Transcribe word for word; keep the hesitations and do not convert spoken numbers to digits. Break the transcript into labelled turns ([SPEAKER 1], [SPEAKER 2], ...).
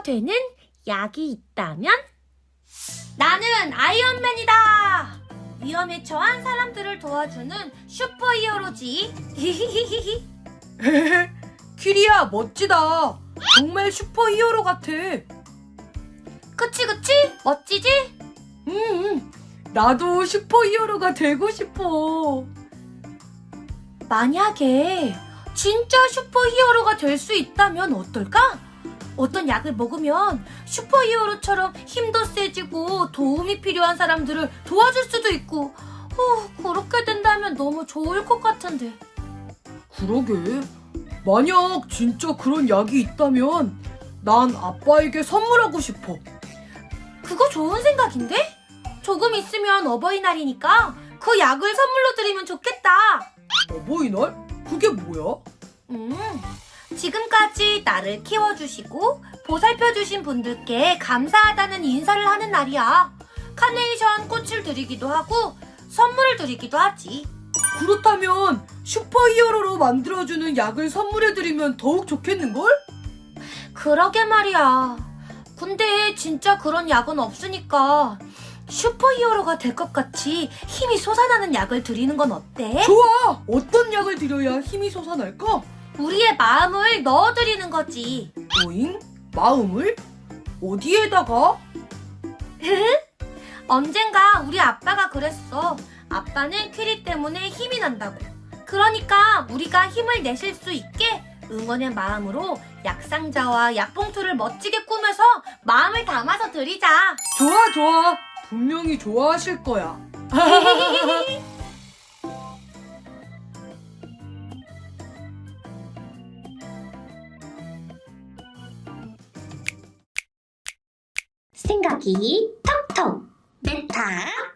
[SPEAKER 1] 되는 약이 있다면? 나는 아이언맨이다! 위험에 처한 사람들을 도와주는 슈퍼히어로지.
[SPEAKER 2] 키리야, 멋지다. 정말 슈퍼히어로 같아.
[SPEAKER 1] 그치 그치? 멋지지?
[SPEAKER 2] 음, 나도 슈퍼히어로가 되고 싶어.
[SPEAKER 1] 만약에 진짜 슈퍼히어로가 될 수 있다면 어떨까? 어떤 약을 먹으면 슈퍼히어로처럼 힘도 세지고 도움이 필요한 사람들을 도와줄 수도 있고, 어, 그렇게 된다면 너무 좋을 것 같은데.
[SPEAKER 2] 그러게. 만약 진짜 그런 약이 있다면 난 아빠에게 선물하고 싶어.
[SPEAKER 1] 그거 좋은 생각인데? 조금 있으면 어버이날이니까 그 약을 선물로 드리면 좋겠다.
[SPEAKER 2] 어버이날? 그게 뭐야?
[SPEAKER 1] 음, 지금까지 나를 키워주시고 보살펴주신 분들께 감사하다는 인사를 하는 날이야. 카네이션 꽃을 드리기도 하고 선물을 드리기도 하지.
[SPEAKER 2] 그렇다면 슈퍼히어로로 만들어주는 약을 선물해드리면 더욱 좋겠는걸?
[SPEAKER 1] 그러게 말이야. 근데 진짜 그런 약은 없으니까 슈퍼히어로가 될 것 같이 힘이 솟아나는 약을 드리는 건 어때?
[SPEAKER 2] 좋아! 어떤 약을 드려야 힘이 솟아날까?
[SPEAKER 1] 우리의 마음을 넣어드리는 거지.
[SPEAKER 2] 오잉? 마음을? 어디에다가?
[SPEAKER 1] 언젠가 우리 아빠가 그랬어. 아빠는 퀴리 때문에 힘이 난다고. 그러니까 우리가 힘을 내실 수 있게 응원의 마음으로 약상자와 약봉투를 멋지게 꾸며서 마음을 담아서 드리자.
[SPEAKER 2] 좋아, 좋아. 분명히 좋아하실 거야.
[SPEAKER 3] 생각이 톡톡 메타